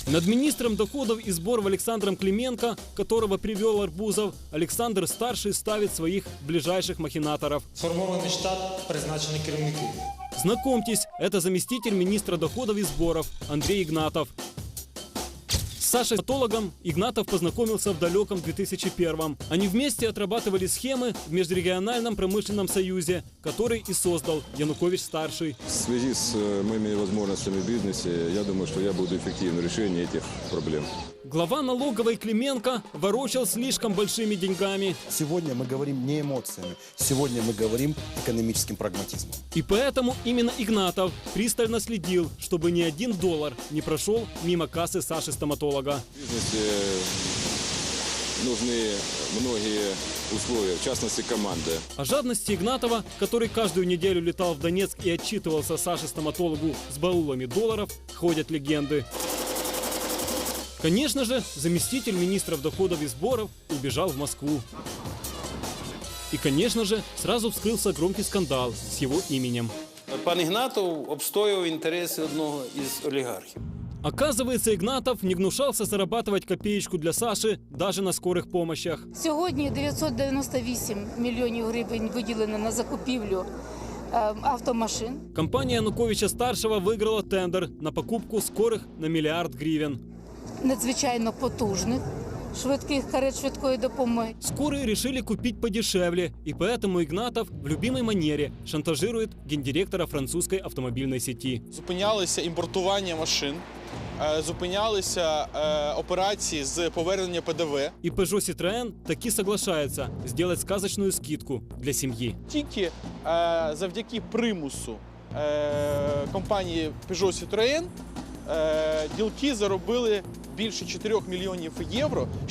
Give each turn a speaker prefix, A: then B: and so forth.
A: Над министром доходов и сборов Александром Клименко, которого привел Арбузов, Александр-старший ставит своих ближайших махинаторов.
B: Сформований штат, призначені керівники.
A: Знакомьтесь, это заместитель министра доходов и сборов Андрей Игнатов. С Сашей стоматологом Игнатов познакомился в далеком 2001-м. Они вместе отрабатывали схемы в Межрегиональном промышленном союзе, который и создал Янукович-старший.
C: В связи с моими возможностями в бизнесе, я думаю, что я буду эффективным в решении этих проблем.
A: Глава налоговой Клименко ворочал слишком большими деньгами.
D: Сегодня мы говорим не эмоциями, сегодня мы говорим экономическим прагматизмом.
A: И поэтому именно Игнатов пристально следил, чтобы ни $1 не прошел мимо кассы Саши-стоматолога.
C: В бизнесе нужны многие условия, в частности команда.
A: О жадности Игнатова, который каждую неделю летал в Донецк и отчитывался Саше-стоматологу с баулами долларов, ходят легенды. Конечно же, заместитель министров доходов и сборов убежал в Москву. И, конечно же, сразу вскрылся громкий скандал с его именем.
E: Пан Ігнатов обстоював інтереси одного із олігархів.
A: Оказывается, Игнатов не гнушался зарабатывать копеечку для Саши даже на скорых помощях.
F: Сьогодні 998 мільйонів гривень виділено на закупівлю автомашин.
A: Компания Януковича-старшего выиграла тендер на покупку скорых на $1 миллиард гривен.
F: Надзвичайно потужних, швидких карет швидкої допомоги.
A: Скорые решили купить подешевле, и поэтому Игнатов в любимой манере шантажирует гендиректора французской автомобильной сети.
G: Зупинялися імпортування машин, зупинялися операції з повернення ПДВ.
A: И Peugeot Citroën таки соглашается сделать сказочную скидку для семьи.
G: Тільки завдяки примусу компанії Peugeot Citroën ділки заробили більше 4 мільйонів євро.